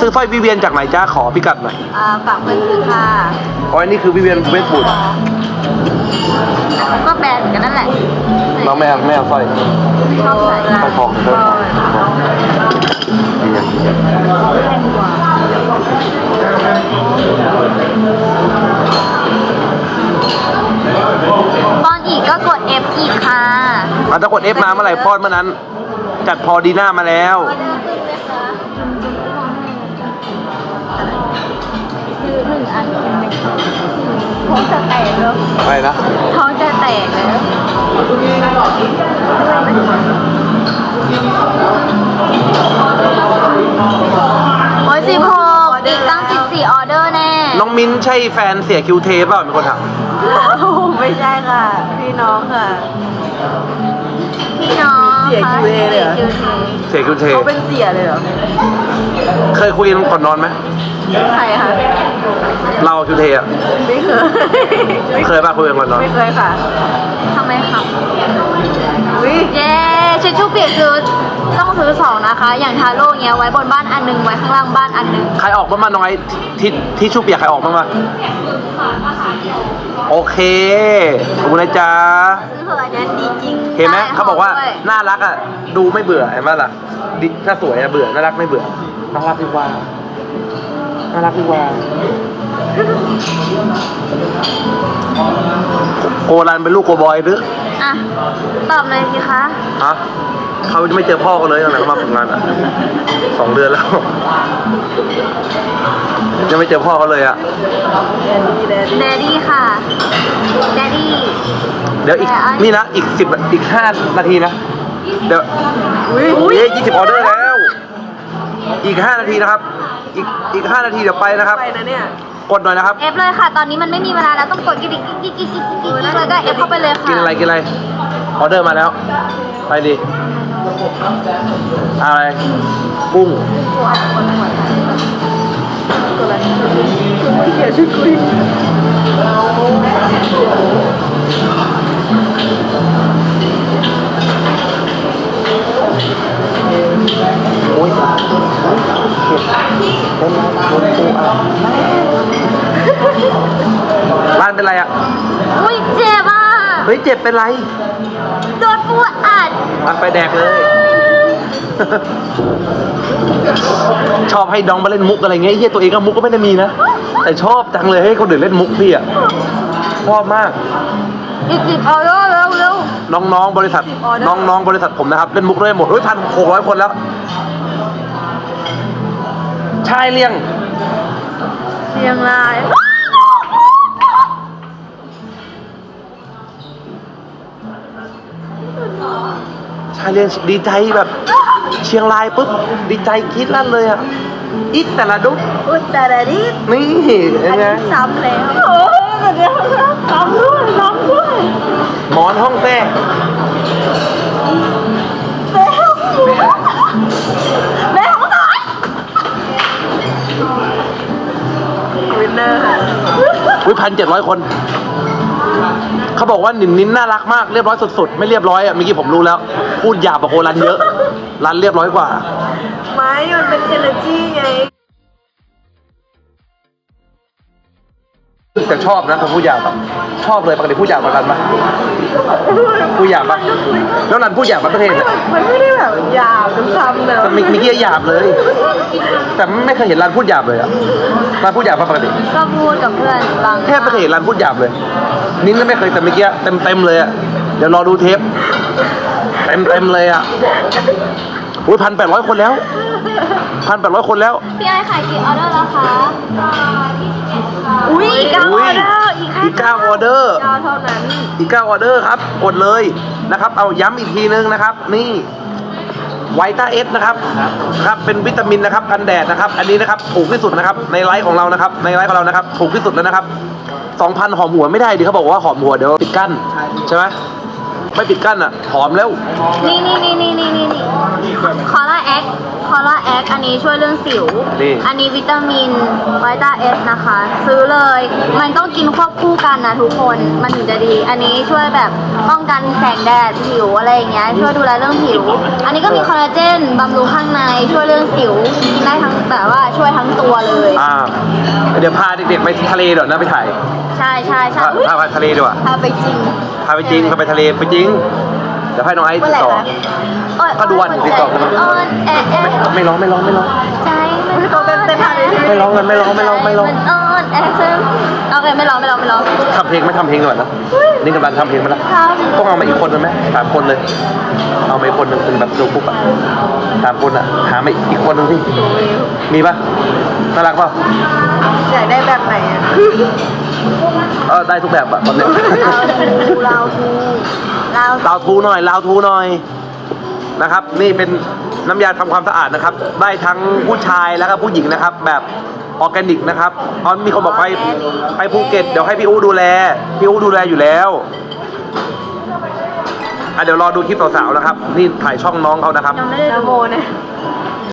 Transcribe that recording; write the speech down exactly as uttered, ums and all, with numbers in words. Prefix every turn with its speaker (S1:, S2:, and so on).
S1: ซื้อสร้อยวิเวียนจากไหนจ้าขอพิกัดหน่อย
S2: อ่าฝากเพื่อนซื้อค่ะ
S1: อ๋ออันนี้คือวิเวียนเวสต์วูด
S2: ก็แบรนด์เหมือนกันนั่นแหละ
S1: น้องแม่แม่เอาสร้อย
S2: ชอบใส่
S1: สร้อยทองสร้อยทองนี่ไง
S2: ตอนอีกก็กด F อีกค่ะ
S1: อ่ะถ้ากด F มาเมื่อไหร่พอดเมื่อนั้น จัดพอดีหน้ามาแล้ว
S2: ซื้อหนึ่งอันเป็นหนึ่งท้องจะแตกแล้ว
S1: อะไรนะ
S2: ท้องจะแตกแล้วโอ้ยสิบหกอีกตั้งสิบสี่ออเดอร์แน่
S1: น้องมิ้นใช่แฟนเสียคิวเทปเปล่ามีคนถาม
S2: ไม่ใช่ค่ะ พี่น้องค่ะ พี่น้อง
S3: เสีย คิว เอ เลยเหรอ
S1: เสียคิวเท
S3: เขาเป็นเสียเลยเหรอ
S1: เคยคุยกันก่อนนอนไหม
S3: ใครคะ
S1: เราคิวเทอ่ะ
S3: ไม่เคย
S1: เคยป่ะคุยกันก่อนนอน
S3: ไม่เคยค่ะ
S2: ทำไมครับ
S3: อุ้ย
S2: เย้ชิชชู่เปียกคือต้องซื้อสองนะคะ อย่างทาโร่เงี้ยไว้บนบ้านอันหนึงไว้ข้างล่างบ้านอันหนึง
S1: ใครออกบ้างมาน้อยที่ที่ชูเปียกใครออกบ้างมาโอเคขอบคุณนะจ๊ะ
S2: ซื้อเถอะอันนี้ดีจริง
S1: เห็นไหม
S2: ด้
S1: เขาบอกว่า
S2: ด้วย
S1: น่ารักอ่ะดูไม่เบื่อเห็นไหมล่ะดิถ้าสวยอะเบื่อน่ารักไม่เบื่อน่ารักดีกว่าน่ารักดีกว่าโกรันเป็นลูกโกบอยหรือ
S2: อ่ะ ตอบเลยสิคะ
S1: ฮะเขาจะไม่เจอพ่อกันเลยตั้งแต่เขามาฝึกงานอ่ะสองเดือนแล้วยังไม่เจอพ่อเขาเลยอ่ะ
S3: แดนดี้แดนดี้
S2: แดดดี้ค่ะ แดดดี้
S1: เดี๋ยวอีกนี่นะอีกสิบอีกห้านาทีนะเดี๋ยว
S3: อุ้ย
S1: เย้ยี่สิบออเดอร์แล้ว อีกห้านาทีนะครับ อีกอีกห้านาทีเดี๋ยวไปนะครับ
S3: ไปนะเนี่ย
S1: กดหน่อยนะครับ
S2: เอฟเลยค่ะ ตอนนี้มันไม่มีเวลาแล้วต้องกดกิ๊กกิ๊กกิ๊กกิ๊กกิ๊กกิ๊กกิ๊กเลยก็เอฟเข้าไปเลยค่ะ
S1: กินอะไรกินอะไรออเดอร์มาแล้ว ไปดิอะไรกุ้ง
S3: เสียชุดคุย
S1: โอ้ยเผ็ดเป็นไรเป็นปูอ่ะร้านเป็นไรอ่ะ
S2: อุ้ยเจ็บอ่ะ
S1: เฮ้ยเจ็บเป็นไร
S2: โดนปูอัด
S1: มันไปแดกเลย ชอบให้น้องมาเล่นมุกอะไรเงี้ยไอ้เฮียตัวเองก็มุกก็ไม่ได้มีนะ แต่ชอบจังเลยให้คนอื่นเล่นมุกพี่อ่ะ ชอบมาก
S2: อีกสิบออเดอร์เร็วเร็ว
S1: น้องๆบริษัท น้องๆบริษัทผมนะครับ เล่นมุกได้หมดเฮ้ยพันหกร้อยคนแล้ว ชายเลี้ยง
S2: เชียงราย
S1: ชายเลี้ยงดีใจแบบ เชียงรายปุ๊บดีใจคิดลั่นเลยอ่ะอีกแต่ละดุ๊ก
S3: อุ้ยแต่ละนี้
S1: นี่
S3: อั
S1: ยัง
S3: น
S1: ไง
S3: นี้ซ้ำแล้วโอ้ยเดี๋ยวซ้ำด้วยซ้ำด้วย
S1: หมอนห้องแท้
S3: แม่ของหน่อยวินเนอร์ค่ะ
S1: อุ้ยพันเจ็ดร้อยคน เขาบอกว่าหนินนิ้นน่ารักมากเรียบร้อยสุดๆไม่เรียบร้อยอ่ะเมื่อกี้ผมรู้แล้ว พูดหยาบกว่าโครันเยอะรันเรียบร้อยกว่า
S3: ไม้มันเป็น energy ไง
S1: แต่ชอบนะผมพูดหยาบอะชอบเลยปกติพูดหยาบกว่ารันปะพูดหยาบปะแล้วรันพูดหยาบปะประเทศเนี่ย
S3: มันไม่ได้แบบหยาบจนซ้ำเลย
S1: แต่มีมีเกี้ยหยาบเลย แต่ไม่เคยเห็นรันพูดหยาบเลยอ่ะรันพูดหยาบปะปกติ
S2: ก็พูดกับเพื่อนบาง
S1: แทบไม่เคยเห็นรันพูดหยาบเลย นิ้นก็ไม่เคยแต่เมื่อกี้เต็มเต็มๆเลยอ่ะเดี๋ยวรอดูเทปเต็มเต็มๆเลยอ่ะโอ้ยพันแปดร้อยคนแล้วพันแปดร้อยคนแล้ว
S2: พี่ไอ้ขายกี่ออเดอร์แล้วคะอุ้ยอีกเก้าอ
S1: อุ้
S2: อย เดอร์อีกแค่
S1: อีกเก้าออเดอร์
S3: ยาวเท่านั้น
S1: อีกเก้าออเดอร์ครับกดเลยนะครับ เอาย้ำอีกทีนึงนะครับ นี่ไวต้าเอสนะครับครับเป็นวิตามินนะครับกันแดดนะครับ อันนี้นะครับถูกที่สุดนะครับในไลฟ์ของเรานะครับในไลฟ์ของเรานะครับถูกที่สุดแล้วนะครับสองพันหอมหัวไม่ได้ดิเขาบอกว่าหอมหัวเดี๋ยวปิดกั้นใช่ไหมไม่ปิดกั้นอ่ะหอมแล้ว
S2: นี่นี่นี่นี่นี่นี่คอร่าแอคคคอล่าแอคอันนี้ช่วยเรื่องสิว
S1: นี่
S2: อันนี้วิตามินไวต้าเอสนะคะ ซื้อเลย มันต้องกินควบคู่กันนะทุกคน มันถึงจะดี อันนี้ช่วยแบบป้องกันแสงแดดผิวอะไรอย่างเงี้ย ช่วยดูแลเรื่องผิว อันนี้ก็มีคอลลาเจนบำรุงข้างใน ช่วยเรื่องสิว กินได้ทั้งแบบว่าช่วยทั้งตัวเลย
S1: อ่า เดี๋ยวพาเด็กๆไปทะเลเดี๋ยวนะไปถ่าย
S2: ใช่ใช่ใช่
S1: พา
S2: อุ๊ย
S1: พาไปทะเลดีกว่า
S2: พาไปจริง
S1: พาไปจริงพาไปทะเลไปจริง เดี๋ยวให้น้องไอซ์
S2: เมื่
S1: ติ
S2: อ
S1: ด
S2: ไหร่
S1: ต่อ
S2: คะโอ๊ย
S1: ก็ดูวันติดต่อกัน
S2: อ่อนแอแอ
S1: ไม่ร้องไม่ร้องไม่ร้อง
S2: ใจมันอ่อนแอ
S1: ไม่ร้องกันไม่ร้องไม่ร้องไม่ร้อง
S2: มันอ่อนแอเธอโอเคไม่ร้องไม่ร้องไม่ร้อง
S1: ทำเพลงไหม่ทำเพลงก่อนนะนี่กำลังทำเพลงมาแล้ว
S2: ครับ
S1: ต้องเอามาอีกคนนึงไหมสามคนเลย เอามาอีกคนนึงเป็นแบบดูปุ๊บอะสามคนอะหามาอีกคนนึงสิมีปะน่ารักปะ
S3: อยากได้แบบไหนอ่ะ
S1: เออได้ทุกแบบอะตอนเนี้ย
S2: เราทูเราทู
S1: ลาวทูหน่อยลาวทูหน่อยนะครับ นี่เป็นน้ำยาทำความสะอาดนะครับ ได้ทั้งผู้ชายแล้วก็ผู้หญิงนะครับ แบบออร์แกนิกนะครับตอนมีคนบอกไปไปภูเก็ตเดี๋ยวให้พี่อู้ดูแลพี่อู้ดูแลอยู่แล้วอ่ะเดี๋ยวรอดูคลิปสาวๆนะครับ นี่ถ่ายช่องน้องเขานะครับ
S2: ยังไม่ได้
S3: นะ
S2: ดู
S3: โมนะ